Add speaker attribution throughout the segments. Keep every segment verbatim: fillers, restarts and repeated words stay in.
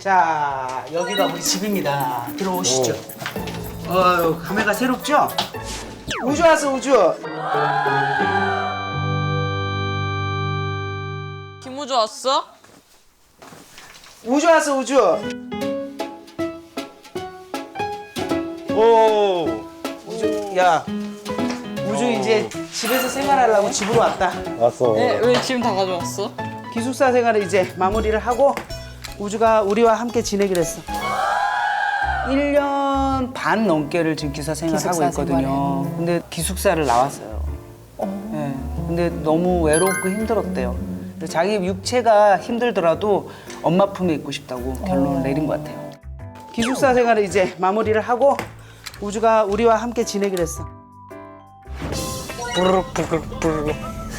Speaker 1: 자, 여기가 우리 집입니다. 들어오시죠. 어휴, 감회가 새롭죠? 우주 왔어, 우주.
Speaker 2: 김우주 왔어?
Speaker 1: 우주 왔어, 우주.
Speaker 3: 오.
Speaker 1: 우주, 야. 우주 이제 집에서 생활하려고 집으로 왔다.
Speaker 3: 왔어.
Speaker 2: 네, 왜 짐 다 가져왔어?
Speaker 1: 기숙사 생활을 이제 마무리를 하고 우주가 우리와 함께 지내기로 했어. 일 년 반 넘게를 지금 기숙사 생활을 하고
Speaker 2: 기숙사
Speaker 1: 있거든요.
Speaker 2: 생활을.
Speaker 1: 근데 기숙사를 나왔어요. 네. 근데 너무 외롭고 힘들었대요. 그래서 자기 육체가 힘들더라도 엄마 품에 있고 싶다고 결론을 내린 것 같아요. 기숙사 생활을 이제 마무리를 하고 우주가 우리와 함께 지내기로 했어.
Speaker 3: 부르륵 부르륵 부르륵.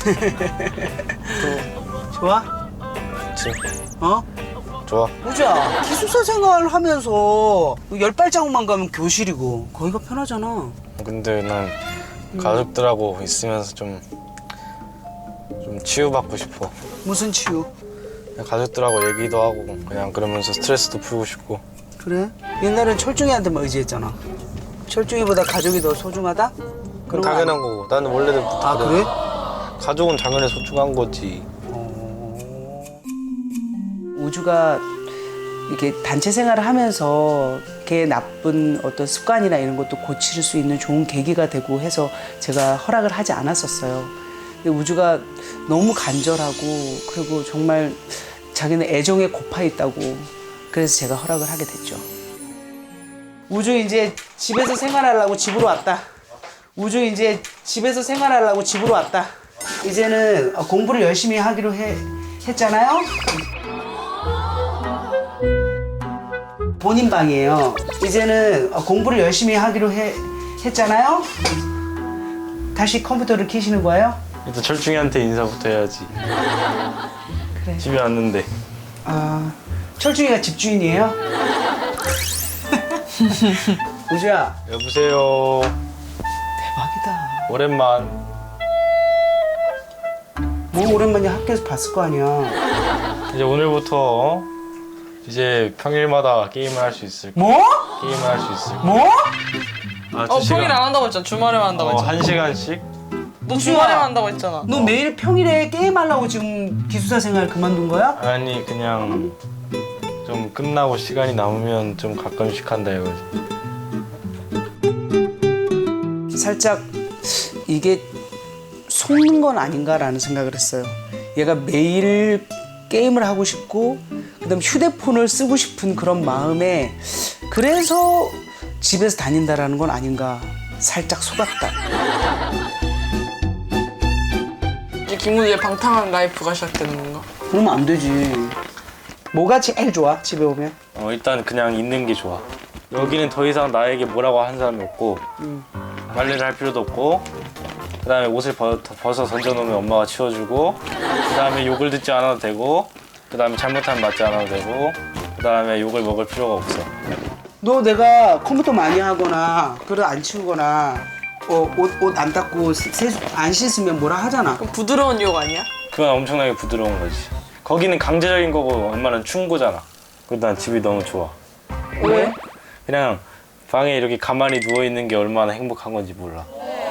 Speaker 1: 좋아?
Speaker 3: 그치.
Speaker 1: 어?
Speaker 3: 좋아.
Speaker 1: 우주야, 기숙사 생활하면서 열 발자국만 가면 교실이고 거기가 편하잖아.
Speaker 3: 근데 난 가족들하고 있으면서 좀, 좀 치유받고 싶어.
Speaker 1: 무슨 치유?
Speaker 3: 그냥 가족들하고 얘기도 하고 그냥 그러면서 스트레스도 풀고 싶고.
Speaker 1: 그래? 옛날엔 철중이한테만 의지했잖아. 철중이보다 가족이 더 소중하다?
Speaker 3: 그건 당연한 거고. 나는 원래부터
Speaker 1: 아, 그래?
Speaker 3: 가족은 당연히 소중한 거지.
Speaker 1: 우주가 이렇게 단체 생활을 하면서 걔 나쁜 어떤 습관이나 이런 것도 고칠 수 있는 좋은 계기가 되고 해서 제가 허락을 하지 않았었어요. 근데 우주가 너무 간절하고 그리고 정말 자기는 애정에 고파 있다고 그래서 제가 허락을 하게 됐죠. 우주 이제 집에서 생활하려고 집으로 왔다. 우주 이제 집에서 생활하려고 집으로 왔다. 이제는 공부를 열심히 하기로 해, 했잖아요. 본인 방이에요. 이제는 공부를 열심히 하기로 해, 했잖아요. 다시 컴퓨터를 켜시는 거예요?
Speaker 3: 일단 철중이한테 인사부터 해야지.
Speaker 1: 그래.
Speaker 3: 집에 왔는데.
Speaker 1: 아, 철중이가 집주인이에요? 우주야,
Speaker 3: 여보세요.
Speaker 1: 대박이다.
Speaker 3: 오랜만.
Speaker 1: 뭐 오랜만에 학교에서 봤을 거 아니야.
Speaker 3: 이제 오늘부터 어? 이제 평일마다 게임을 할 수 있을 거야.
Speaker 1: 뭐?
Speaker 3: 게임을 할 수 있을 거야.
Speaker 1: 뭐?
Speaker 3: 아,
Speaker 2: 어,
Speaker 3: 두 시간.
Speaker 2: 평일 안 한다고 했잖아. 주말에만 한다고
Speaker 3: 어,
Speaker 2: 했잖아.
Speaker 3: 한 시간씩?
Speaker 2: 너 주말에만 한다고 했잖아.
Speaker 1: 너 매일 평일에 게임하려고 지금 기숙사 생활 그만둔 거야?
Speaker 3: 아니 그냥 좀 끝나고 시간이 남으면 좀 가끔씩 한다 이거지.
Speaker 1: 살짝 이게 속는 건 아닌가라는 생각을 했어요. 얘가 매일 게임을 하고 싶고 그다음 휴대폰을 쓰고 싶은 그런 마음에 그래서 집에서 다닌다라는 건 아닌가 살짝 속았다.
Speaker 2: 이제 김우주의 방탕한 라이프가 시작되는 건가?
Speaker 1: 그러면 안 되지. 뭐가 제일 좋아 집에 오면?
Speaker 3: 어 일단 그냥 있는 게 좋아. 여기는 더 이상 나에게 뭐라고 하는 사람이 없고
Speaker 1: 음.
Speaker 3: 빨래를 할 필요도 없고 그 다음에 옷을 벗, 벗어 던져놓으면 엄마가 치워주고 그 다음에 욕을 듣지 않아도 되고 그 다음에 잘못하면 맞지 않아도 되고 그 다음에 욕을 먹을 필요가 없어.
Speaker 1: 너 내가 컴퓨터 많이 하거나 그릇 안 치우거나 어, 옷 옷 안 닦고 세수 안 씻으면 뭐라 하잖아.
Speaker 2: 그럼 부드러운 욕 아니야?
Speaker 3: 그건 엄청나게 부드러운 거지. 거기는 강제적인 거고 엄마는 충고잖아. 그래도 난 집이 너무 좋아.
Speaker 1: 왜?
Speaker 3: 그냥 방에 이렇게 가만히 누워있는 게 얼마나 행복한 건지 몰라.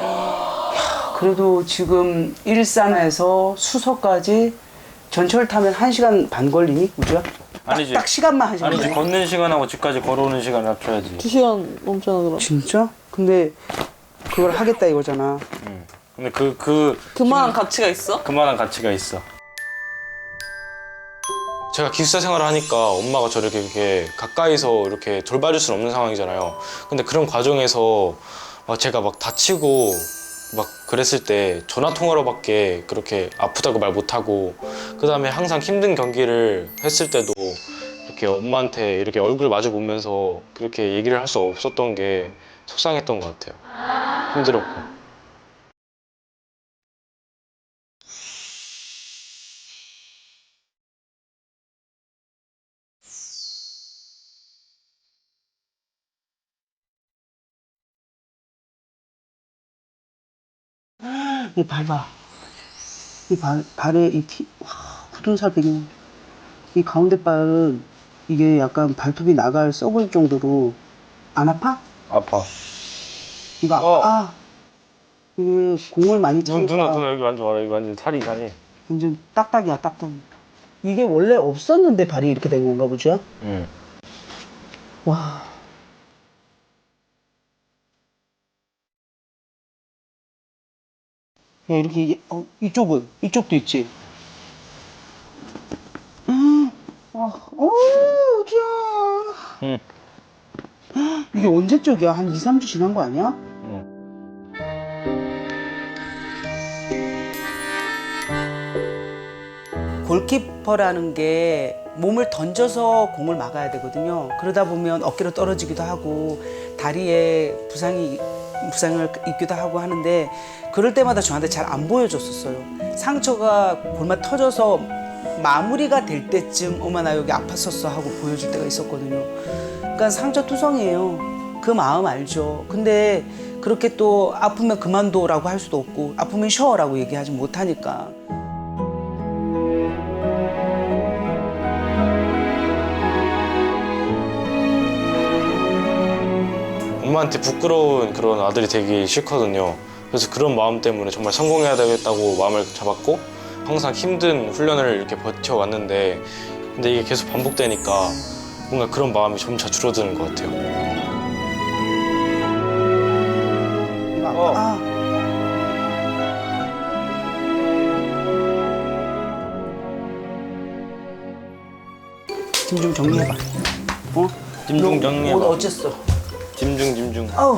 Speaker 1: 그래도 지금 일산에서 수서까지 전철 타면 한 시간 반 걸리니? 우주야? 딱,
Speaker 3: 아니지.
Speaker 1: 딱 시간만 한 시간
Speaker 3: 아니지,
Speaker 1: 걸려?
Speaker 3: 걷는 시간하고 집까지 걸어오는 시간을 합쳐야지.
Speaker 2: 두 시간 넘잖아 그럼.
Speaker 1: 진짜? 근데 그걸 하겠다 이거잖아.
Speaker 3: 응. 근데 그, 그,
Speaker 2: 그만한 가치가 있어?
Speaker 3: 그만한 가치가 있어. 제가 기숙사 생활을 하니까 엄마가 저를 이렇게, 이렇게 가까이서 이렇게 돌봐줄 수는 없는 상황이잖아요. 근데 그런 과정에서 막 제가 막 다치고 막 그랬을 때 전화 통화로밖에 그렇게 아프다고 말 못하고 그 다음에 항상 힘든 경기를 했을 때도 이렇게 엄마한테 이렇게 얼굴 마주 보면서 그렇게 얘기를 할 수 없었던 게 속상했던 것 같아요. 힘들었고.
Speaker 1: 이 밟아. 이 발, 발에 이 티, 와, 굳은 살 배경. 이 가운데 발은 이게 약간 발톱이 나갈 썩을 정도로 안 아파?
Speaker 3: 아파.
Speaker 1: 이거 아파?
Speaker 3: 어.
Speaker 1: 아, 그 공을 많이
Speaker 3: 눈,
Speaker 1: 치니까
Speaker 3: 누나, 누나 여기 만져봐라. 여기 완전 살이 이상해.
Speaker 1: 완전 딱딱이야, 딱딱. 이게 원래 없었는데 발이 이렇게 된 건가 보죠?
Speaker 3: 응.
Speaker 1: 와. 야, 이렇게, 어, 이쪽은? 이쪽도 있지? 음, 아, 어, 어디야.
Speaker 3: 응.
Speaker 1: 이게 언제 쪽이야? 한 이, 삼 주 지난 거 아니야?
Speaker 3: 응.
Speaker 1: 골키퍼라는 게 몸을 던져서 공을 막아야 되거든요. 그러다 보면 어깨로 떨어지기도 하고 다리에 부상이 부상을 입기도 하고 하는데 그럴 때마다 저한테 잘 안 보여줬었어요. 상처가 골마 터져서 마무리가 될 때쯤 어머 나 여기 아팠었어 하고 보여줄 때가 있었거든요. 그러니까 상처 투성이에요. 그 마음 알죠. 근데 그렇게 또 아프면 그만둬라고 할 수도 없고 아프면 쉬어라고 얘기하지 못하니까.
Speaker 3: 엄마한테 부끄러운 그런 아들이 되기 싫거든요. 그래서 그런 마음 때문에 정말 성공해야 되겠다고 마음을 잡았고 항상 힘든 훈련을 이렇게 버텨왔는데 근데 이게 계속 반복되니까 뭔가 그런 마음이 점차 줄어드는 것 같아요.
Speaker 1: 이거 아파.
Speaker 3: 어.
Speaker 1: 아. 짐 좀 정리해봐. 어?
Speaker 3: 짐좀
Speaker 1: 너
Speaker 3: 정리해봐.
Speaker 1: 옷 어쨌어?
Speaker 3: 짐중 짐중.
Speaker 1: 아우.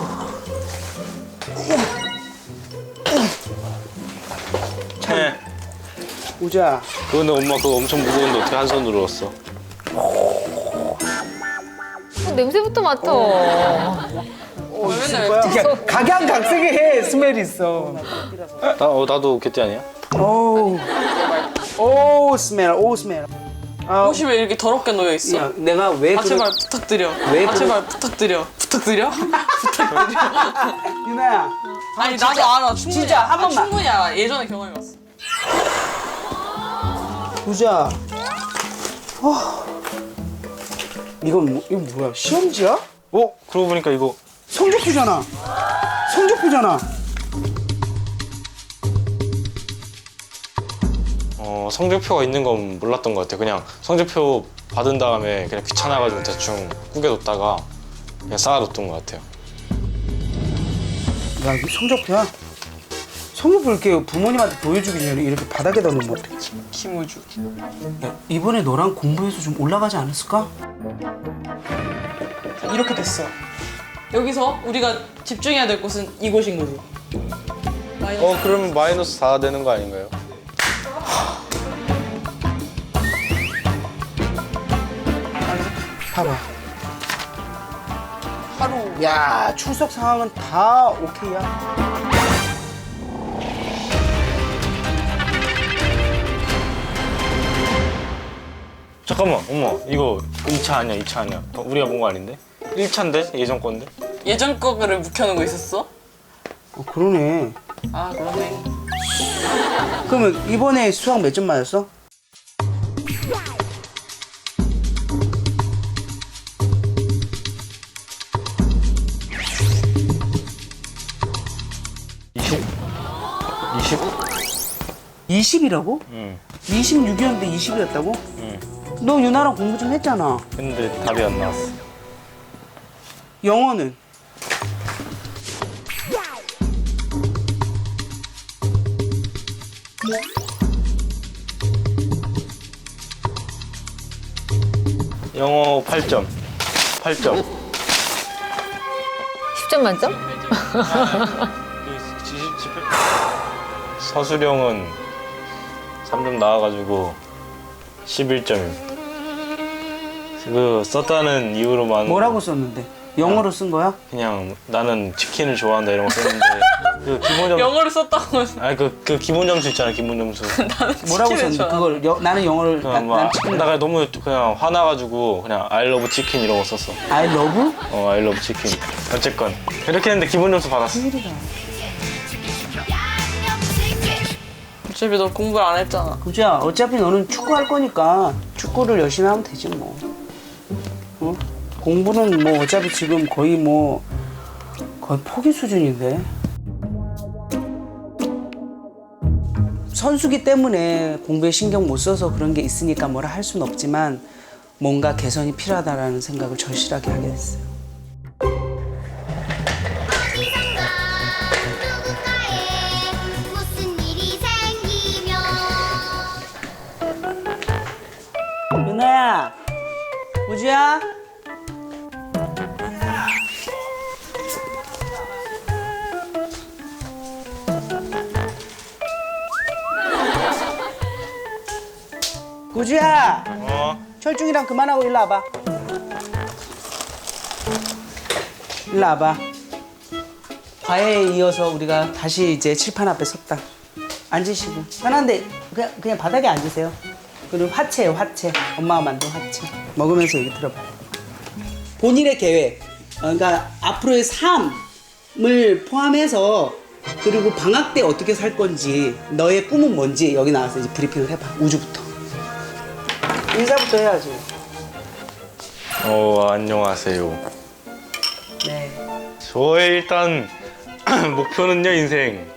Speaker 3: 네.
Speaker 1: 우자.
Speaker 3: 그런데 엄마 그거 엄청 무거운데 어떻게 한 손으로 넣었어?
Speaker 4: 어, 냄새부터 맡아.
Speaker 1: 어, 맨날 각양각색의 스멜이 있어.
Speaker 3: 나, 어, 나도 개띠 아니야?
Speaker 1: 오. 오 스멜. 오 스멜. 아,
Speaker 2: 옷이 왜 이렇게 더럽게 놓여 있어?
Speaker 1: 야, 내가 왜
Speaker 2: 아
Speaker 1: 그러-
Speaker 2: 제발 부탁드려.
Speaker 1: 왜
Speaker 2: 아
Speaker 1: 그러-
Speaker 2: 제발 부탁드려. 부탁드려? 부탁드려.
Speaker 1: 유나야.
Speaker 2: 아니 나도 알아. 충분히.
Speaker 1: 진짜, 한
Speaker 2: 아,
Speaker 1: 번만.
Speaker 2: 충분히 알아. 예전에 경험해봤어.
Speaker 1: 우자. 어. 이건 뭐, 이건 뭐야? 시험지야?
Speaker 3: 어? 그러고 보니까 이거
Speaker 1: 성적표잖아. 성적표잖아.
Speaker 3: 어, 성적표가 있는 건 몰랐던 것 같아요. 그냥 성적표 받은 다음에 그냥 귀찮아가지고 대충 구겨뒀다가 그냥 쌓아뒀던 것 같아요.
Speaker 1: 야, 이거 성적표야? 성적표 이렇게 부모님한테 보여주기 전에 이렇게 바닥에다 놓으면 어떡해?
Speaker 2: 김우주.
Speaker 1: 야, 이번에 너랑 공부해서 좀 올라가지 않았을까?
Speaker 2: 이렇게 됐어. 여기서 우리가 집중해야 될 곳은 이곳인 거지. 마이너스.
Speaker 3: 어, 그러면 마이너스 사 되는 거 아닌가요?
Speaker 1: 봐봐.
Speaker 2: 하루.
Speaker 1: 야, 출석 상황은 다 오케이야.
Speaker 3: 잠깐만, 엄마, 이거 이 차 아니야, 이 차 아니야. 어, 우리가 본 거 아닌데? 일 차인데? 예전 건데?
Speaker 2: 예전 거를 묵혀놓고 있었어?
Speaker 1: 어, 그러네.
Speaker 2: 아 그러네.
Speaker 1: 그러면 이번에 수학 몇 점 맞았어?
Speaker 3: 이십? 이십?
Speaker 1: 이십이라고?
Speaker 3: 응,
Speaker 1: 이십육이었는데 이십이었다고?
Speaker 3: 응.
Speaker 1: 너 유나랑 공부 좀 했잖아.
Speaker 3: 근데 답이 안 나왔어.
Speaker 1: 영어는?
Speaker 3: 영어 팔 점. 팔 점.
Speaker 4: 십 점 만점?
Speaker 3: 서술형은 삼 점 나와가지고 십일 점입니다. 그 썼다는 이유로만
Speaker 1: 뭐라고 썼는데? 영어로 쓴 거야?
Speaker 3: 그냥 나는 치킨을 좋아한다 이런 거 썼는데 그 기본 점
Speaker 2: 영어를 썼다고 해서
Speaker 3: 아니 그, 그 기본 점수 있잖아 기본 점수.
Speaker 1: 뭐라고
Speaker 2: 치킨을
Speaker 1: 썼는데?
Speaker 2: 좋아한다.
Speaker 1: 그걸 여- 나는 영어를 나,
Speaker 3: 그냥
Speaker 1: 난
Speaker 3: 막
Speaker 1: 치킨
Speaker 3: 나 너무 그냥 화나가지고 그냥 I love 치킨 이런 거 썼어.
Speaker 1: I love?
Speaker 3: 어 I love 치킨. 어쨌건 그렇게 했는데 기본 점수 받았어.
Speaker 2: 어차피 너 공부를 안 했잖아.
Speaker 1: 그죠? 어차피 너는 축구 할 거니까 축구를 열심히 하면 되지 뭐. 어? 공부는 뭐 어차피 지금 거의 뭐 거의 포기 수준인데. 선수기 때문에 공부에 신경 못 써서 그런 게 있으니까 뭐라 할 수는 없지만 뭔가 개선이 필요하다라는 생각을 절실하게 하게 됐어요.
Speaker 5: 어디선가 누군가에 무슨 일이 생기면
Speaker 1: 윤아야, 우주야. 우주야.
Speaker 3: 어?
Speaker 1: 철중이랑 그만하고 일로 와봐. 일로 와봐. 과외에 이어서 우리가 다시 이제 칠판 앞에 섰다. 앉으시고 편한데 그냥 그냥 바닥에 앉으세요. 그리고 화채예요, 화채. 엄마가 만든 화채. 먹으면서 얘기 들어봐. 본인의 계획, 어, 그러니까 앞으로의 삶을 포함해서 그리고 방학 때 어떻게 살 건지, 너의 꿈은 뭔지 여기 나와서 이제 브리핑을 해봐. 우주부터. 인사부터 해야지.
Speaker 3: 어, 안녕하세요.
Speaker 1: 네.
Speaker 3: 저의 일단 목표는요, 인생.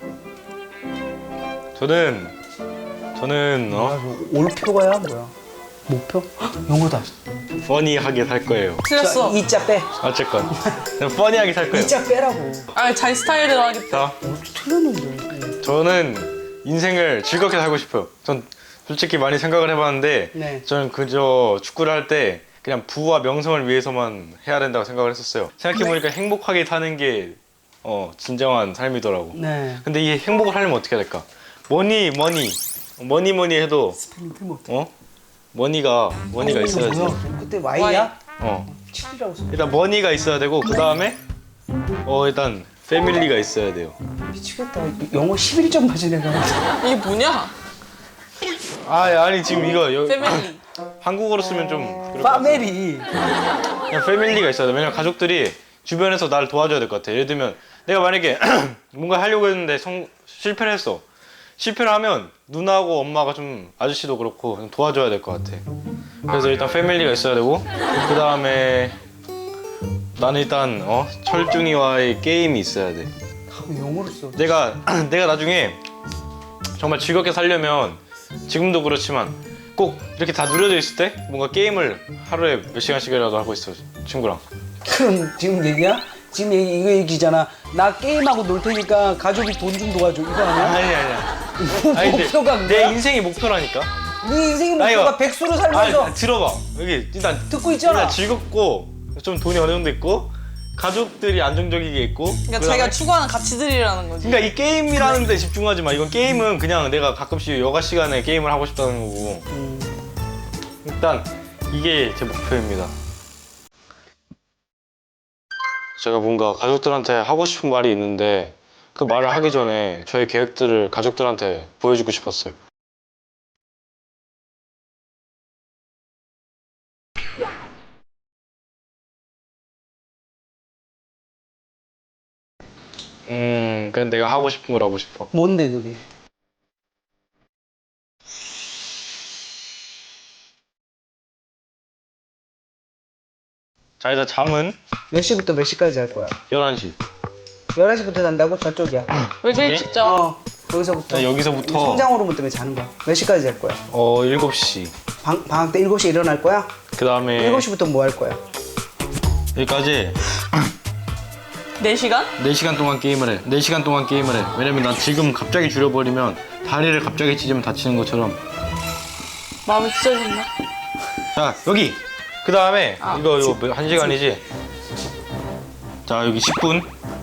Speaker 3: 저는 저는 어
Speaker 1: 올표가야 뭐야? 목표? 헉, 영어다.
Speaker 3: 퍼니하게 살 거예요.
Speaker 2: 틀렸어.
Speaker 1: 이자 빼.
Speaker 3: 어쨌건 그냥 퍼니하게 살 거예요.
Speaker 1: 이자 빼라고.
Speaker 2: 아, 자기 스타일대로 하겠다.
Speaker 3: 자,
Speaker 1: 틀렸는데.
Speaker 3: 저는 인생을 즐겁게 살고 싶어요. 전 솔직히 많이 생각을 해봤는데
Speaker 1: 네.
Speaker 3: 저는 그저 축구를 할 때 그냥 부와 명성을 위해서만 해야 된다고 생각을 했었어요. 생각해보니까 행복하게 사는 게 어, 진정한 삶이더라고.
Speaker 1: 네.
Speaker 3: 근데 이 행복을 하려면 어떻게 해야 될까? 머니 머니 머니 머니 해도
Speaker 1: 스펠링 틀면 어떡해.
Speaker 3: 어? 머니가 머니가 있어야지.
Speaker 1: 뭐야? 그때 Y야?
Speaker 3: 어.
Speaker 1: 칠이라고 써.
Speaker 3: 일단 머니가 있어야 되고 그 다음에 어 일단 패밀리가 있어야 돼요.
Speaker 1: 미치겠다. 영어 십일 점 맞은 애가.
Speaker 2: 이게 뭐냐?
Speaker 3: 아 아니 지금 이거 여,
Speaker 2: 패밀리.
Speaker 3: 한국어로 쓰면 좀 그럴 것 같아.
Speaker 1: 파메리.
Speaker 3: 그냥 패밀리가 있어야 돼. 왜냐면 가족들이 주변에서 나를 도와줘야 될 것 같아. 예를 들면 내가 만약에 뭔가 하려고 했는데 성, 실패를 했어. 실패를 하면 누나하고 엄마가 좀 아저씨도 그렇고 좀 도와줘야 될 것 같아. 그래서 일단 패밀리가 있어야 되고 그 다음에 나는 일단 어 철중이와의 게임이 있어야 돼.
Speaker 1: 영어로 써.
Speaker 3: 내가 내가 나중에 정말 즐겁게 살려면 지금도 그렇지만 꼭 이렇게 다 누려져 있을 때 뭔가 게임을 하루에 몇 시간씩이라도 하고 있어 친구랑.
Speaker 1: 그럼 지금 얘기야? 지금 얘기, 이거 얘기잖아. 나 게임하고 놀 테니까 가족이 돈 좀 도와줘. 이거 아니야?
Speaker 3: 아니 아니야.
Speaker 1: 뭐
Speaker 3: 아니, 근데
Speaker 1: 목표가
Speaker 3: 내
Speaker 1: 뭐야?
Speaker 3: 인생이 목표라니까.
Speaker 1: 네 인생의
Speaker 3: 아니,
Speaker 1: 목표가
Speaker 3: 이거-
Speaker 1: 백수로 살면서
Speaker 3: 아니 들어봐. 여기 일단
Speaker 1: 듣고 있잖아.
Speaker 3: 일단 즐겁고 좀 돈이 어느 정도 있고 가족들이 안정적이게 있고.
Speaker 2: 그러니까
Speaker 3: 그다음에-
Speaker 2: 자기가 추구하는 가치들이라는 거지.
Speaker 3: 그러니까 이 게임이라는 데 집중하지 마. 이건 게임은 그냥 내가 가끔씩 여가 시간에 게임을 하고 싶다는 거고.
Speaker 1: 음.
Speaker 3: 일단 이게 제 목표입니다. 제가 뭔가 가족들한테 하고 싶은 말이 있는데 그 말을 하기 전에 저의 계획들을 가족들한테 보여주고 싶었어요. 음, 그냥 내가 하고 싶은 걸 하고 싶어.
Speaker 1: 뭔데 그게?
Speaker 3: 자, 일단 잠은
Speaker 1: 몇 시부터 몇 시까지 할 거야?
Speaker 3: 열한 시.
Speaker 1: 열한 시부터 잔다고? 저쪽이야.
Speaker 2: 왜 그래
Speaker 3: 예?
Speaker 2: 진짜?
Speaker 1: 어. 거기서부터.
Speaker 3: 자, 여기서부터
Speaker 1: 성장 호르몬 때문에 자는 거야. 몇 시까지 잘 거야?
Speaker 3: 어, 일곱 시.
Speaker 1: 방, 방학 때 일곱 시에 일어날 거야?
Speaker 3: 그 다음에
Speaker 1: 일곱 시부터 뭐 할 거야?
Speaker 3: 여기까지
Speaker 2: 네 시간?
Speaker 3: 네 시간 동안 게임을 해. 네 시간 동안 게임을 해. 왜냐면 난 지금 갑자기 줄여버리면 다리를 갑자기 찢으면 다치는 것처럼.
Speaker 2: 마음이 찢어진다.
Speaker 3: 자, 여기. 그 다음에
Speaker 2: 아,
Speaker 3: 이거 이거 몇- 한 시간이지? 자, 여기 십 분.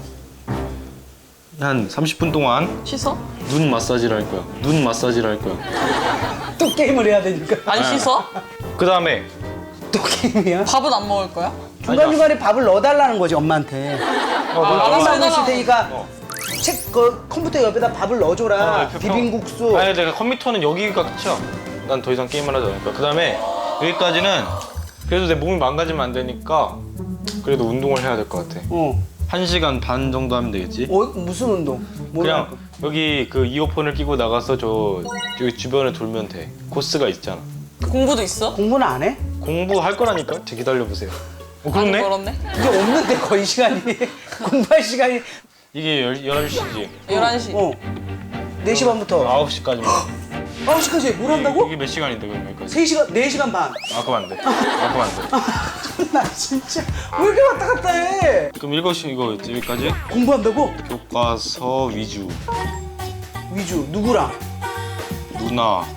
Speaker 3: 한 삼십 분 동안
Speaker 2: 씻어?
Speaker 3: 눈 마사지를 할 거야. 눈 마사지를 할 거야.
Speaker 1: 또 게임을 해야 되니까.
Speaker 2: 안 씻어?
Speaker 3: 그 다음에
Speaker 1: 또 게임이야?
Speaker 2: 밥은 안 먹을 거야?
Speaker 1: 중간중간에 밥을 넣어달라는 거지, 엄마한테.
Speaker 3: 어,
Speaker 2: 아,
Speaker 3: 너-
Speaker 2: 알았어.
Speaker 1: 게임하고 있을 테니까
Speaker 3: 어.
Speaker 1: 책, 그 컴퓨터 옆에다 밥을 넣어줘라.
Speaker 3: 어, 그
Speaker 1: 비빔국수.
Speaker 3: 아니 내가 컴퓨터는 여기가 끝이야. 난 더 이상 게임을 하지 않을 거야. 그 다음에 여기까지는 그래도 내 몸이 망가지면 안 되니까 그래도 운동을 해야 될 것 같아.
Speaker 1: 어.
Speaker 3: 한 시간 반 정도 하면 되겠지?
Speaker 1: 어, 무슨 운동? 뭘 할
Speaker 3: 그냥
Speaker 1: 거야?
Speaker 3: 여기 그 이어폰을 끼고 나가서 저 여기 주변을 돌면 돼. 코스가 있잖아.
Speaker 2: 공부도 있어?
Speaker 1: 공부는 안 해?
Speaker 3: 공부할 거라니까? 제 기다려 보세요. 어,
Speaker 2: 많이
Speaker 3: 그렇네?
Speaker 2: 걸었네.
Speaker 1: 이게 없는데 거의 시간이 공부할 시간이
Speaker 3: 이게 열한 시지.
Speaker 2: 열한 시.
Speaker 1: 어 네 시 반부터
Speaker 3: 아홉 시까지만.
Speaker 1: 아홉 시까지 뭘 한다고?
Speaker 3: 이게 몇 시간인데 그럼 여기까지?
Speaker 1: 세 시간 네 시간 반.
Speaker 3: 아 그럼 안 돼. 아 그럼 안 돼.
Speaker 1: 나 진짜 왜 이렇게 왔다 갔다 해?
Speaker 3: 그럼 일곱 시 이거 여기까지?
Speaker 1: 공부한다고?
Speaker 3: 교과서 위주.
Speaker 1: 위주 누구랑?
Speaker 3: 누나.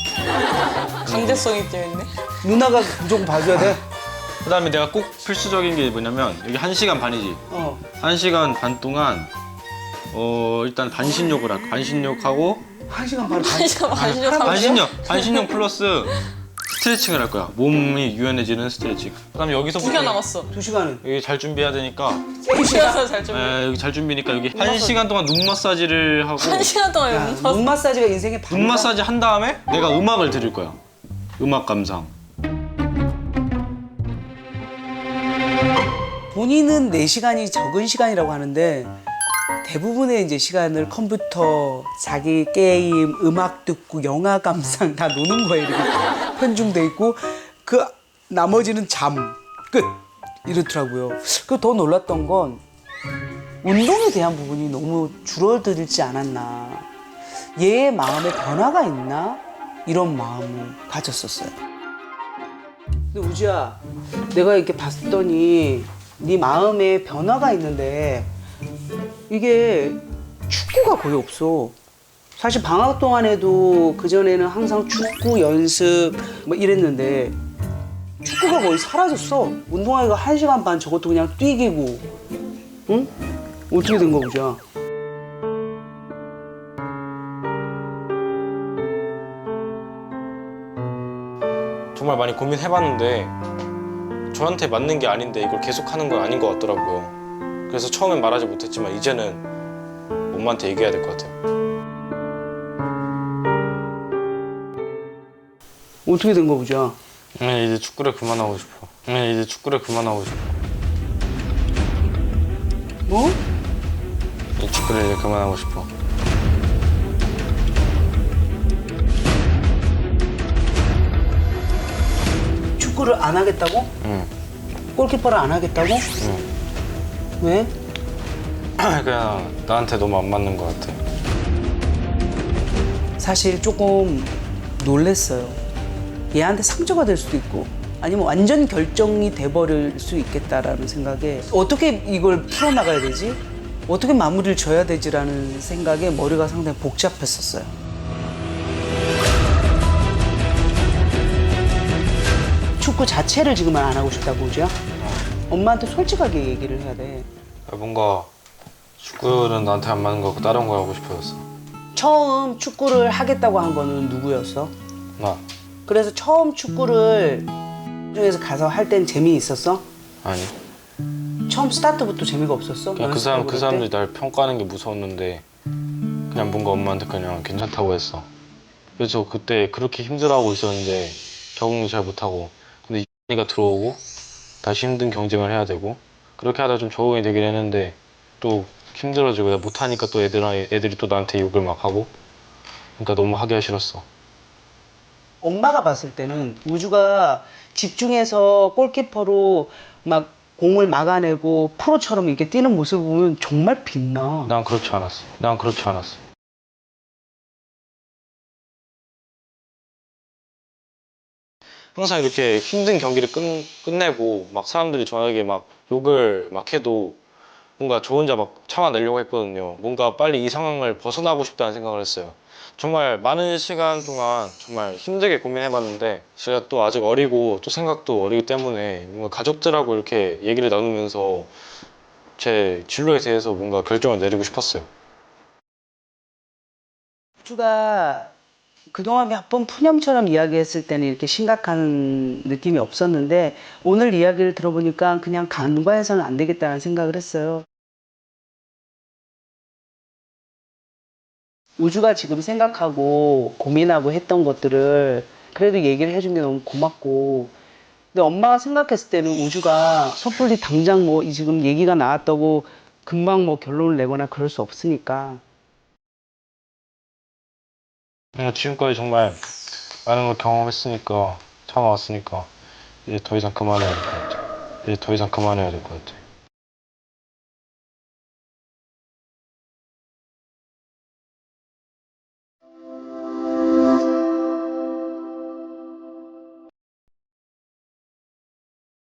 Speaker 2: 강제성이 뛰어있네.
Speaker 1: 누나가 무조건 봐줘야 돼?
Speaker 3: 그다음에 내가 꼭 필수적인 게 뭐냐면 여기 한 시간 반이지.
Speaker 1: 어.
Speaker 3: 한 시간 반 동안 어 일단 반신욕을 할 반신욕하고
Speaker 1: 한 시간 반.
Speaker 2: 한 시간 반신욕 하고.
Speaker 3: 반신욕 반신욕 플러스 스트레칭을 할 거야. 몸이 유연해지는 스트레칭. 그다음에 여기서
Speaker 2: 두 시간 남았어.
Speaker 1: 두 시간은
Speaker 3: 여기 잘 준비해야 되니까
Speaker 1: 세 시간.
Speaker 2: 쉬어서 잘 준비.
Speaker 3: 에, 여기 잘 준비니까 여기 한 시간 동안 눈 마사지를 하고
Speaker 2: 한 시간 동안
Speaker 1: 야,
Speaker 2: 연습.
Speaker 1: 눈 마사지가 인생의 반.
Speaker 3: 눈 마사지 한 다음에 내가 음악을 들을 거야. 음악 감상.
Speaker 1: 본인은 네 시간이 적은 시간이라고 하는데 대부분의 이제 시간을 컴퓨터, 자기 게임, 음악 듣고 영화 감상 다 노는 거에 이렇게 편중돼 있고 그 나머지는 잠 끝 이렇더라고요. 그 더 놀랐던 건 운동에 대한 부분이 너무 줄어들지 않았나. 얘의 마음에 변화가 있나 이런 마음을 가졌었어요. 근데 우지야, 내가 이렇게 봤더니 네 마음에 변화가 있는데 이게 축구가 거의 없어. 사실 방학 동안에도 그전에는 항상 축구 연습 뭐 이랬는데 축구가 거의 사라졌어. 운동하기가 한 시간 반 저것도 그냥 뛰기고. 응? 어떻게 된 거 보자.
Speaker 3: 정말 많이 고민해봤는데 저한테 맞는 게 아닌데 이걸 계속하는 건 아닌 것 같더라고요. 그래서 처음엔 말하지 못했지만 이제는 엄마한테 얘기해야 될 것 같아요.
Speaker 1: 어떻게 된 거 보자.
Speaker 3: 네, 이제 축구를 그만하고 싶어. 네, 이제 축구를 그만하고 싶어.
Speaker 1: 뭐?
Speaker 3: 이 축구를 이제 그만하고 싶어.
Speaker 1: 축구를 안 하겠다고?
Speaker 3: 응.
Speaker 1: 골키퍼를 안 하겠다고?
Speaker 3: 응.
Speaker 1: 왜?
Speaker 3: 그냥 나한테 너무 안 맞는 것 같아.
Speaker 1: 사실 조금 놀랬어요. 얘한테 상처가 될 수도 있고 아니면 완전 결정이 돼버릴 수 있겠다라는 생각에 어떻게 이걸 풀어나가야 되지? 어떻게 마무리를 져야 되지라는 생각에 머리가 상당히 복잡했었어요. 축구 자체를 지금은 안 하고 싶다고 그죠? 엄마한테 솔직하게 얘기를 해야 돼.
Speaker 3: 뭔가 축구는 나한테 안 맞는 것 같고 다른 거 하고 싶어졌어.
Speaker 1: 처음 축구를 하겠다고 한 거는 누구였어?
Speaker 3: 나?
Speaker 1: 그래서 처음 축구를 중에서 가서 할 땐 재미있었어?
Speaker 3: 아니.
Speaker 1: 처음 스타트부터 재미가 없었어?
Speaker 3: 그냥 그 사람 그
Speaker 1: 연습하고
Speaker 3: 사람들이
Speaker 1: 그럴
Speaker 3: 날 평가하는 게 무서웠는데 그냥 뭔가 엄마한테 그냥 괜찮다고 했어. 그래서 그때 그렇게 힘들어하고 있었는데 적응도 잘 못하고 근데 이가 들어오고 다시 힘든 경쟁을 해야 되고 그렇게 하다 좀 적응이 되긴 했는데 또 힘들어지고 내가 못하니까 또 애들, 애들이 또 나한테 욕을 막 하고 그러니까 너무 하기가 싫었어.
Speaker 1: 때 엄마가 봤을 때는 우주가 집중해서 골키퍼로 막 공을 막아내고 프로처럼 이렇게 뛰는 모습을 보면 정말 빛나.
Speaker 3: 난 그렇지 않았어. 난 그렇지 않았어. 항상 이렇게 힘든 경기를 끝, 끝내고 막 사람들이 저에게 막 욕을 막 해도 뭔가 저 혼자 막 참아내려고 했거든요. 뭔가 빨리 이 상황을 벗어나고 싶다는 생각을 했어요. 정말 많은 시간 동안 정말 힘들게 고민해봤는데 제가 또 아직 어리고 또 생각도 어리기 때문에 뭔가 가족들하고 이렇게 얘기를 나누면서 제 진로에 대해서 뭔가 결정을 내리고 싶었어요.
Speaker 1: 우주가 그동안 몇 번 푸념처럼 이야기했을 때는 이렇게 심각한 느낌이 없었는데 오늘 이야기를 들어보니까 그냥 간과해서는 안 되겠다는 생각을 했어요. 우주가 지금 생각하고 고민하고 했던 것들을 그래도 얘기를 해준 게 너무 고맙고 근데 엄마가 생각했을 때는 우주가 섣불리 당장 뭐 지금 얘기가 나왔다고 금방 뭐 결론을 내거나 그럴 수 없으니까
Speaker 3: 그냥 지금까지 정말 많은 걸 경험했으니까 참아왔으니까 이제 더 이상 그만해야 될 것 같아요. 이제 더 이상 그만해야 될 것 같아.